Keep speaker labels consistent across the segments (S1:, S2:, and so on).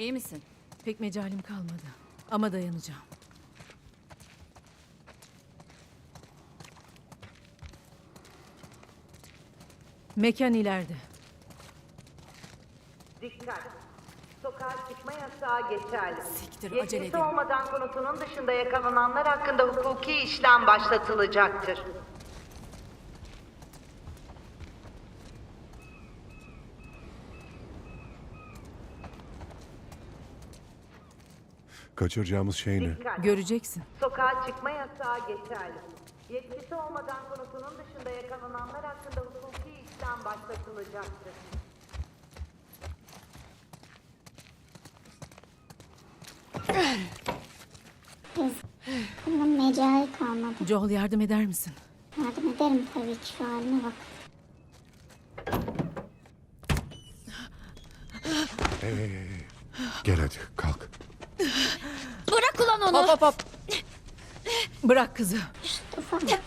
S1: İyi misin?
S2: Pek mecalim kalmadı. Ama dayanacağım. Mekan ileride.
S3: Dikkat! Sokağa çıkma yasağı geçerli.
S1: Siktir, acele
S3: Yetkisi
S1: edin.
S3: olmadan konutunun dışında yakalananlar hakkında hukuki işlem başlatılacaktır.
S4: Kaçıracağımız şey ne?
S3: Dikkat!
S2: Göreceksin.
S3: Sokağa çıkma yasağı geçerli. Yetkisi olmadan konutunun dışında yakalananlar hakkında hukuki işlem başlatılacaktır.
S5: Kızım mecai kalmadı.
S2: Joel yardım eder misin?
S5: Yardım ederim tabii ki, şu haline bak.
S4: Hey. Gel hadi kalk.
S1: Bırak ulan onu!
S2: Hop hop hop. Bırak kızı.
S5: Ufaklık.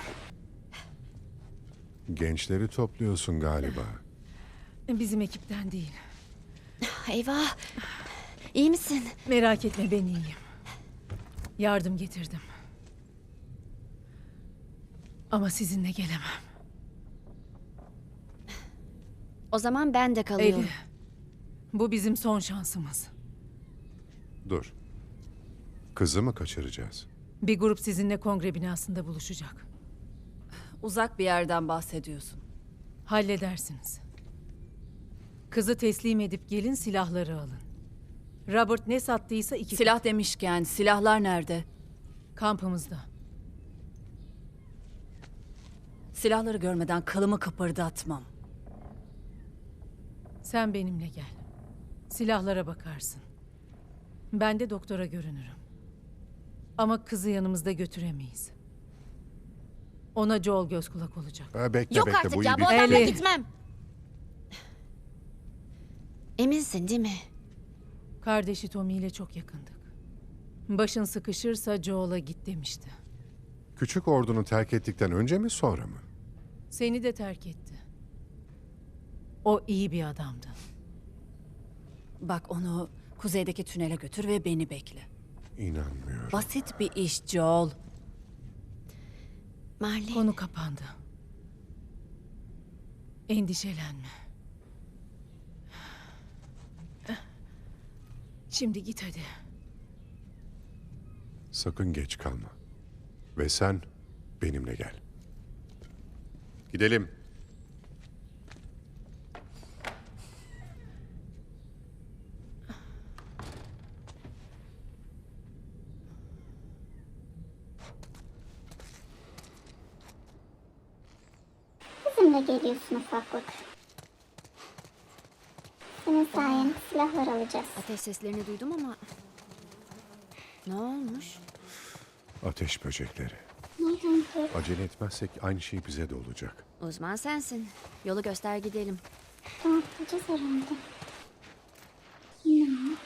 S4: Gençleri topluyorsun galiba.
S2: Bizim ekipten değil.
S1: Eyvah! İyi misin?
S2: Merak etme, ben iyiyim. Yardım getirdim. Ama sizinle gelemem.
S1: O zaman ben de kalıyorum.
S2: Eli, bu bizim son şansımız.
S4: Dur. Kızı mı kaçıracağız?
S2: Bir grup sizinle kongre binasında buluşacak.
S1: Uzak bir yerden bahsediyorsun.
S2: Halledersiniz. Kızı teslim edip gelin, silahları alın. Robert ne sattıysa
S1: Silah demişken silahlar nerede?
S2: kampımızda.
S1: Silahları görmeden kılımı kıpırdatmam.
S2: Sen benimle gel. Silahlara bakarsın. Ben de doktora görünürüm. Ama kızı yanımızda götüremeyiz. Ona Joel göz kulak olacak.
S4: Bekle
S1: Yok
S4: bekle
S1: artık
S4: bu
S1: ya,
S4: iyi
S1: bu
S4: bir
S1: adamla
S2: Eli.
S1: gitmem. Eminsin değil mi?
S2: Kardeşi Tommy ile çok yakındık. Başın sıkışırsa Joel'a git demişti.
S4: Küçük ordunu terk ettikten önce mi sonra mı?
S2: Seni de terk etti. O iyi bir adamdı.
S1: Bak, onu kuzeydeki tünele götür ve beni bekle.
S4: İnanmıyorum.
S1: Basit bir iş Joel. Marley.
S2: Konu kapandı. Endişelenme. Şimdi git hadi.
S4: Sakın geç kalma. Ve sen benimle gel. Gidelim.
S5: Bizimle geliyorsun ufaklık. Senin sayende silahlar alacağız.
S1: Ateş seslerini duydum ama... Ne olmuş?
S4: Ateş böcekleri.
S5: Nereden kız?
S4: Acele etmezsek aynı şey bize de olacak.
S1: Uzman sensin. Yolu göster gidelim.
S5: Tamam, bulacağız herhalde. Ne?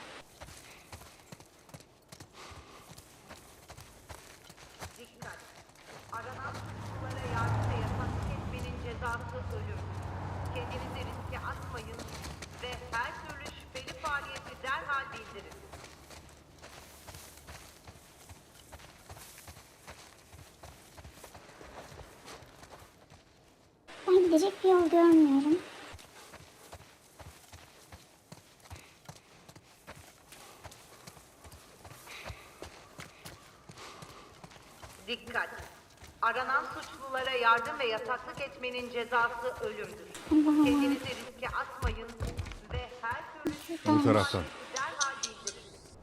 S3: Dikkat! Aranan suçlulara yardım ve yasak etmenin cezası ölüm. Kendinizi riske atmayın ve her türlü şüpheli faaliyeti derhal bildirin.
S5: Ben gidecek bir yol görmüyorum.
S3: Dikkat! Aranan suçlulara yardım ve yataklık etmenin cezası ölümdür.
S5: Allah'ım.
S3: Kendinizi riske atmayın ve her türlü
S4: Bu taraftan.
S3: derhal bildirin.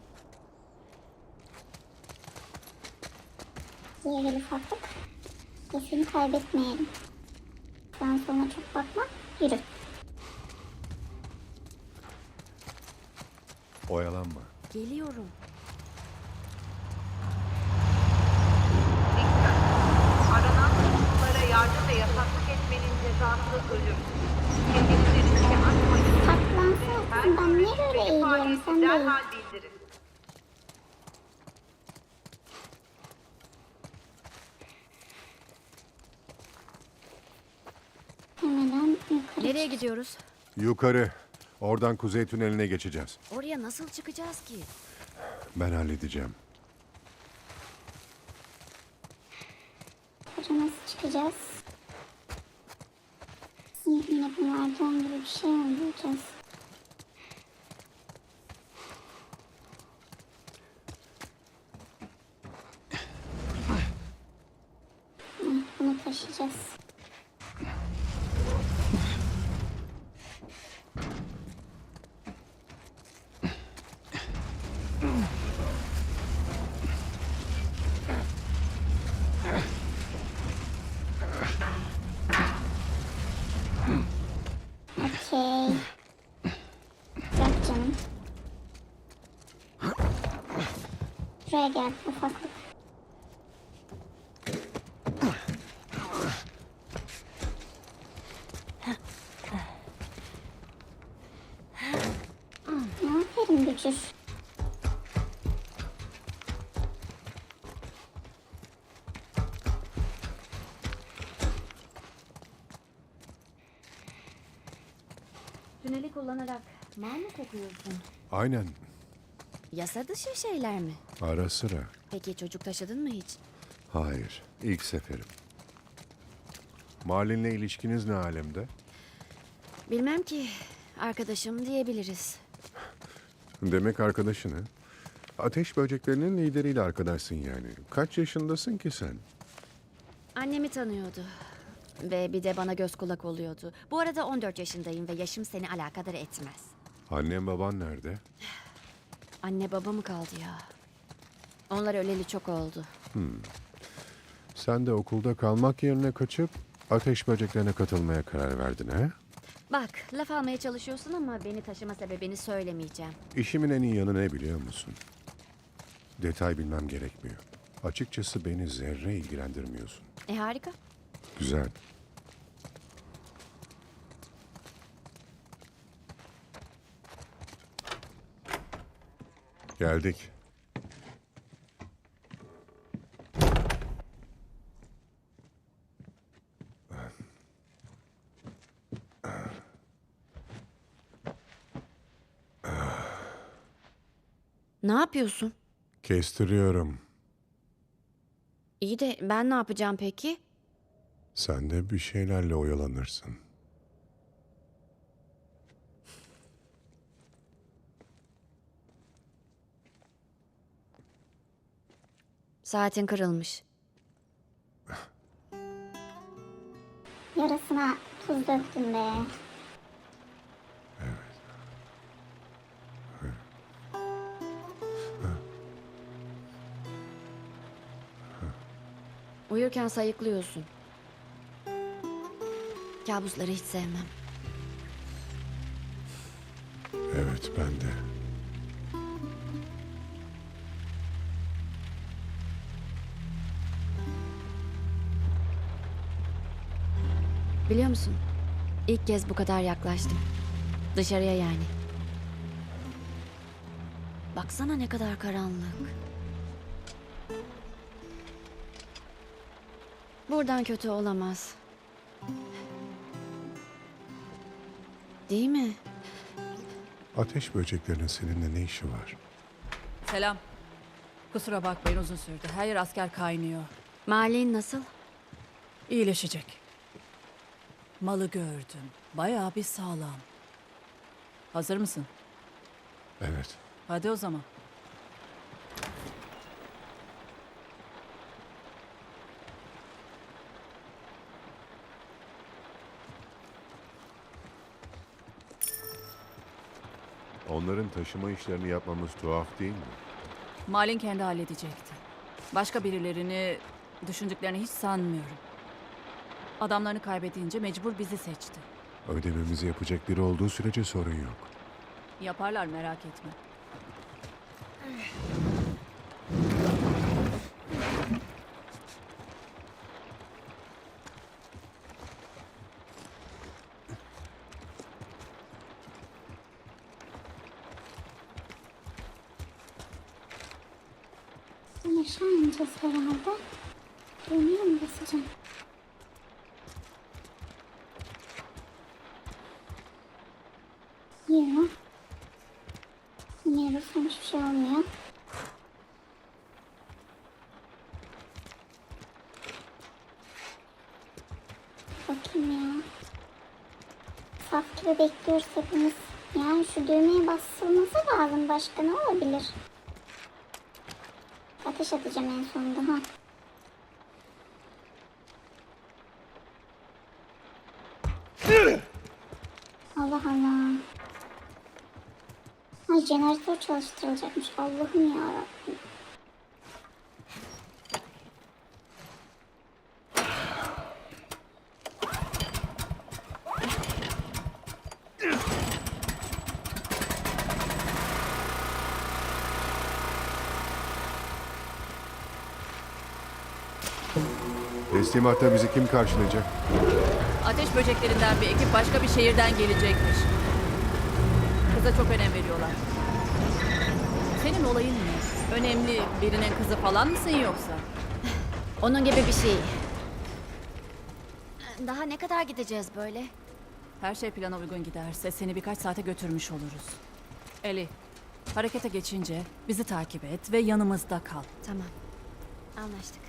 S5: Diye gel ufaklık. Seni kaybetmeyelim. Sen sonra çok bakma. Yürü.
S4: Oyalanma.
S1: Geliyorum.
S3: Dikkat! Aranan suçlulara yardım ve yataklık etmenin cezası ölüm. Kendinizi riske atmayın.
S5: Saklansana kızım, ben niye böyle eğiliyorum, sen de eğil.
S3: derhal bildirin.
S5: Hemen yukarı.
S1: Nereye gidiyoruz?
S4: Yukarı. Oradan kuzey tüneline geçeceğiz.
S1: Oraya nasıl çıkacağız ki?
S4: Ben halledeceğim.
S5: Buraya nasıl çıkacağız? Yine bunlardan gibi bir şey mi bulacağız? Bunu taşıyacağız. Okey. Bırak canım. Buraya gel ufaklık. Aferin Bücür.
S6: Tüneli kullanarak mal mı kokuyorsun?
S4: Aynen.
S6: Yasa dışı şeyler mi?
S4: Ara sıra.
S6: Peki çocuk taşıdın mı hiç?
S4: Hayır. İlk seferim. Malin'le ilişkiniz ne alemde?
S6: Bilmem ki. Arkadaşım diyebiliriz.
S4: Demek arkadaşını. Ateş böceklerinin lideriyle arkadaşsın yani. Kaç yaşındasın ki sen?
S6: Annemi tanıyordu. Ve bir de bana göz kulak oluyordu. Bu arada 14 yaşındayım ve yaşım seni alakadar etmez.
S4: Annem baban nerede?
S6: Anne baba mı kaldı ya? Onlar öleli çok oldu.
S4: Sen de okulda kalmak yerine kaçıp ateş böceklerine katılmaya karar verdin ha?
S6: Bak, laf almaya çalışıyorsun ama beni taşıma sebebini söylemeyeceğim.
S4: İşimin en iyi yanı ne biliyor musun? Detay bilmem gerekmiyor. Açıkçası beni zerre ilgilendirmiyorsun.
S6: Harika.
S4: Güzel. Geldik.
S6: Ne yapıyorsun?
S4: Kestiriyorum.
S6: İyi de ben ne yapacağım peki?
S4: Sen de bir şeylerle oyalanırsın.
S6: Saatin kırılmış.
S5: Yarasına tuz döktüm be.
S6: Uyurken sayıklıyorsun. Kabusları hiç sevmem.
S4: Evet, ben de.
S6: Biliyor musun? İlk kez bu kadar yaklaştım. Dışarıya yani. Baksana ne kadar karanlık. Buradan kötü olamaz. Değil mi?
S4: Ateş böceklerinin seninle ne işi var?
S1: Selam. Kusura bakmayın uzun sürdü. Her yer asker kaynıyor.
S6: Malin nasıl?
S1: İyileşecek. Malı gördüm. Bayağı bir sağlam. Hazır mısın?
S4: Evet.
S1: Hadi o zaman.
S4: Onların taşıma işlerini yapmamız tuhaf değil mi?
S1: Malin kendi halledecekti. Başka birilerini düşündüklerini hiç sanmıyorum. Adamlarını kaybedince mecbur bizi seçti.
S4: Ödememizi yapacak biri olduğu sürece sorun yok.
S1: Yaparlar merak etme.
S5: Yaşamayacağız herhalde. Düğmeye mi basacağım? Yok. Yine basam hiçbir şey olmuyor. Bakayım ya. Saf gibi bekliyoruz hepimiz. Yani şu düğmeye basılması lazım. Başka ne olabilir? Ateş atacağım en sonunda ha. Allah Allah. Ay jeneratör çalıştırılacakmış. Allah'ım yarabbim.
S4: Teslimatta bizi kim karşılayacak?
S1: Ateş böceklerinden bir ekip başka bir şehirden gelecekmiş. Kıza çok önem veriyorlar. Senin olayın ne? Önemli birinin kızı falan mısın yoksa?
S6: Onun gibi bir şey. Daha ne kadar gideceğiz böyle?
S1: Her şey plana uygun giderse seni birkaç saate götürmüş oluruz. Eli, harekete geçince bizi takip et ve yanımızda kal.
S6: Tamam. Anlaştık.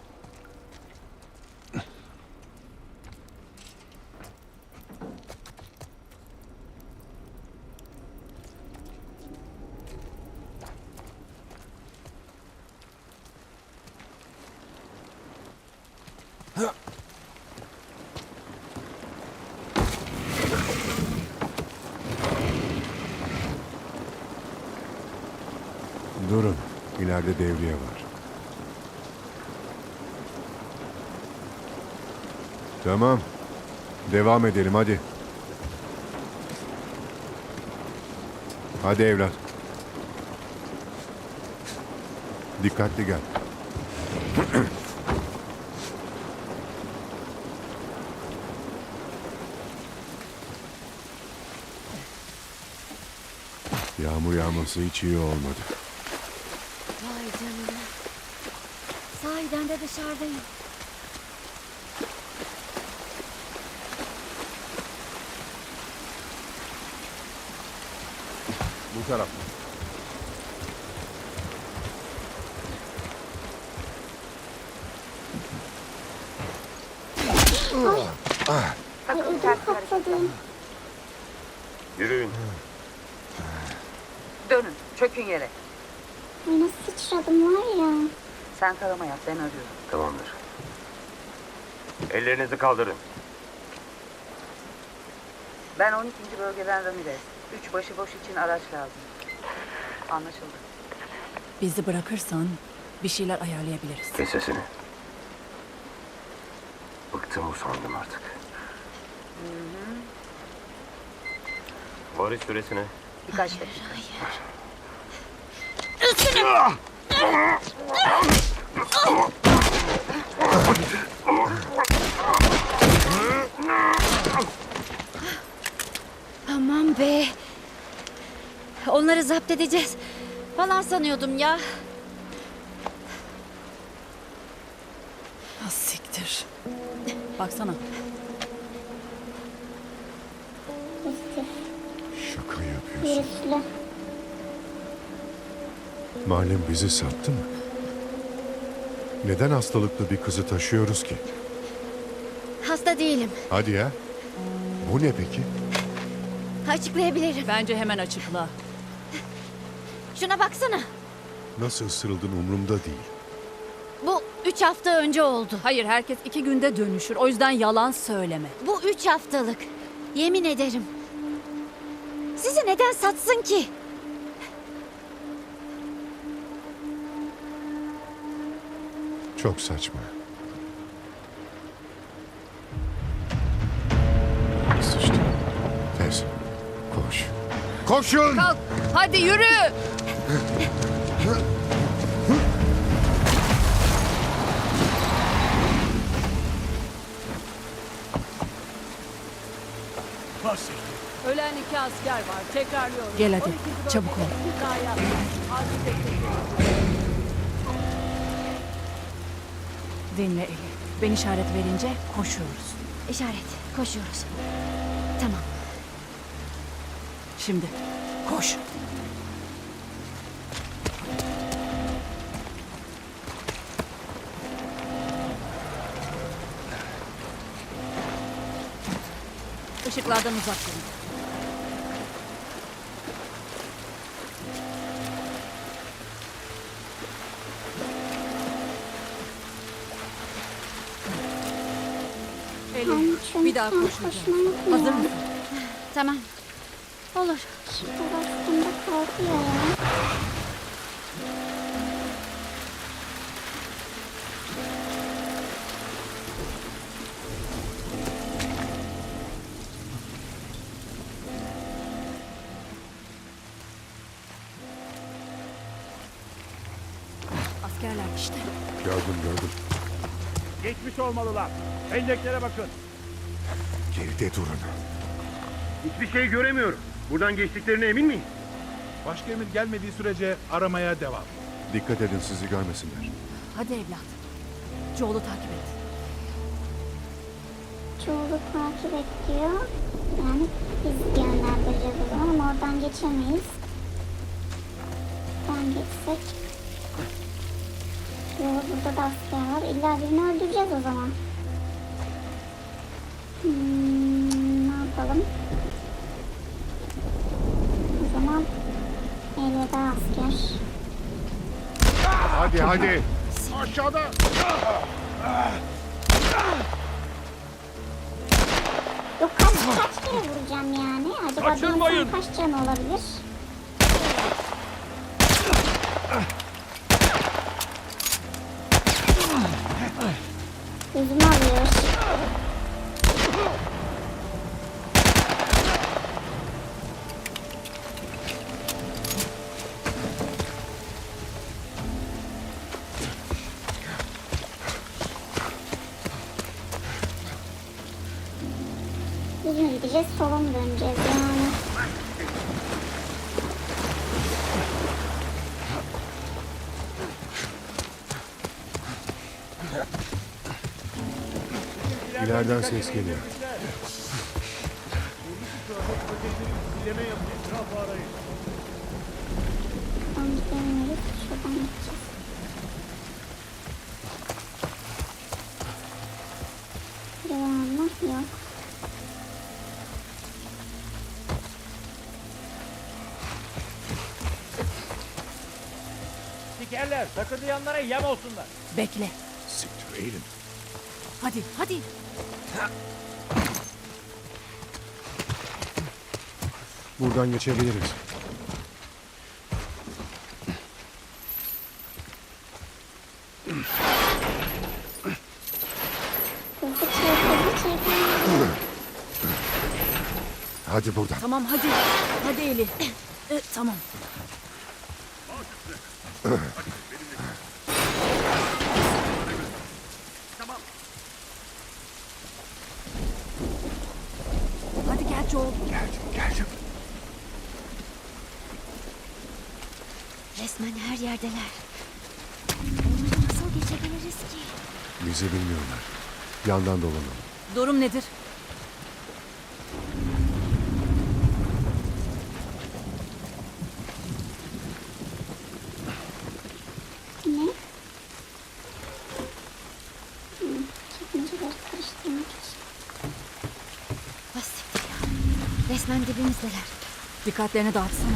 S4: Durun. İleride devriye var. Tamam. Devam edelim hadi. Hadi evlat. Dikkatli gel. Yağmur yağması hiç iyi olmadı.
S6: Vay canına. Sahiden de dışarıdayım.
S4: Bu taraf.
S5: Ay ödüm patladı.
S7: Yürüyün.
S3: Dönün, çökün yere.
S5: Ay nasıl sıçradım var ya.
S3: Sen tarama yap, ben arıyorum.
S7: Tamamdır. Ellerinizi kaldırın.
S3: Ben 12. bölgeden Ramirez. 3 başıboş için araç lazım. Anlaşıldı.
S1: Bizi bırakırsan bir şeyler ayarlayabiliriz.
S7: Kes sesini. Bıktım usandım artık. Varış süresine.
S3: Birkaç dakika.
S6: Aman be. Onları zapt edeceğiz falan sanıyordum ya.
S1: Ah, siktir. Baksana.
S5: Pozitif.
S4: Şaka yapıyorsun.
S5: Virüslü.
S4: Malum bizi sattı mı? Neden hastalıklı bir kızı taşıyoruz ki?
S6: Hasta değilim.
S4: Hadi ya. Bu ne peki?
S6: Açıklayabilirim.
S1: Bence hemen açıkla.
S6: Şuna baksana.
S4: Nasıl ısırıldın umurumda değil.
S6: Bu 3 hafta önce oldu.
S1: Hayır, herkes 2 günde dönüşür. O yüzden yalan söyleme.
S6: Bu 3 haftalık. Yemin ederim. Sizi neden satsın ki?
S4: Çok saçma. Sıçtı. Tez. Koş. Koşun!
S1: Kalk, hadi yürü! Ölen 2 asker var. Tekrarlıyorum. Gel hadi, çabuk ol. Dinle Eli. Ben işaret verince koşuyoruz.
S6: İşaret. Koşuyoruz. Tamam.
S1: Şimdi koş. Işıklardan uzak durun.
S5: Ben
S1: Elin,
S5: çünkü
S1: bir daha koşacağım. Hazır mısın?
S6: Tamam. Olur.
S5: Şurada bastığımda kalkıyor ya.
S1: Askerler işte.
S4: Gördüm.
S8: Geçmiş olmalılar. Penceklere bakın.
S4: Geride durun.
S8: Hiçbir şey göremiyorum. Buradan geçtiklerine emin miyim?
S9: Başka emir gelmediği sürece aramaya devam.
S4: Dikkat edin sizi görmesinler.
S1: Hadi evlat. Joel'u takip et.
S5: Çoğulu takip et diyor. Yani biz yönlendireceğiz o zaman ama oradan geçemeyiz. Buradan geçsek. Yok, burada da asker var. İlla birini öldüreceğiz o zaman. Ne yapalım? O zaman elveda asker.
S4: Hadi.
S8: Aşağıda.
S5: Yok kaç kere vuracağım yani? Acaba bir
S8: Kaçırmayın.
S5: insan kaç can olabilir? Gözümü alıyor. Düz mü gideceğiz, sola mı döneceğiz yani?
S4: İleriden ses geliyor.
S8: Bileme yapın. Etrafı arayın.
S5: Buradan gidemiyoruz, şuradan gideceğiz. Biri var mı? Yok.
S8: Sikerler. Takırdayanlara yem olsunlar.
S1: Bekle.
S4: Siktir eğilin.
S1: Hadi.
S4: Buradan geçebiliriz.
S5: Hızlı çek.
S4: Hadi buradan.
S1: Tamam hadi. Hadi Eli. Tamam. Hadi gel Joel.
S4: Geldim.
S6: Resmen her yerdeler. Onları nasıl geçebiliriz ki?
S4: Bizi bilmiyorlar. Yandan dolanalım.
S1: Durum nedir?
S5: Ne? Çekmeceleri karıştırmak için.
S6: Basit ya. Resmen dibimizdeler.
S1: Dikkatlerini dağıtsana.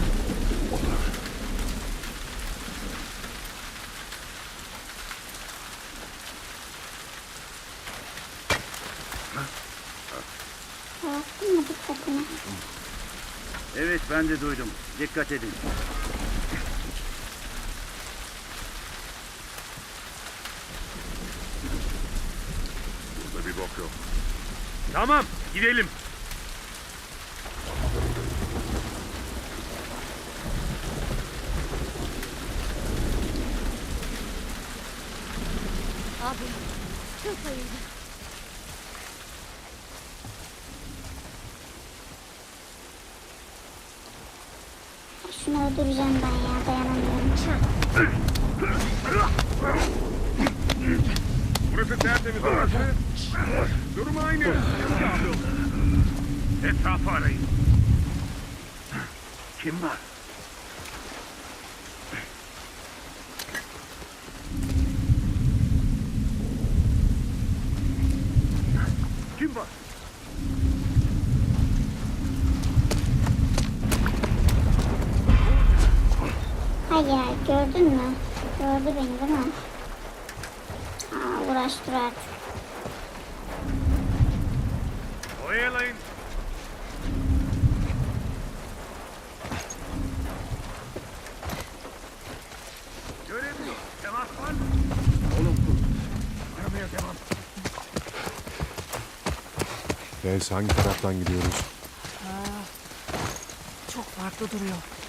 S5: Dağıttın mı dikkatini?
S8: Evet ben de duydum. Dikkat edin.
S4: Burada bir bok yok.
S8: Tamam gidelim.
S6: Abi çok hayırlı.
S5: Şunu öldüreceğim ben ya, dayanamıyorum.
S8: Burası tertemiz orası. Durum aynı. Etrafı arayın. Kim var? Kim var?
S5: Hayır, gördün mü? Gördü beni değil mi? Aa, uğraş dur artık.
S8: Oyalayın. Göremiyor. Temas var mı? Olumsuz. Aramaya devam.
S4: Bez hangi taraftan gidiyoruz?
S2: Çok farklı duruyor.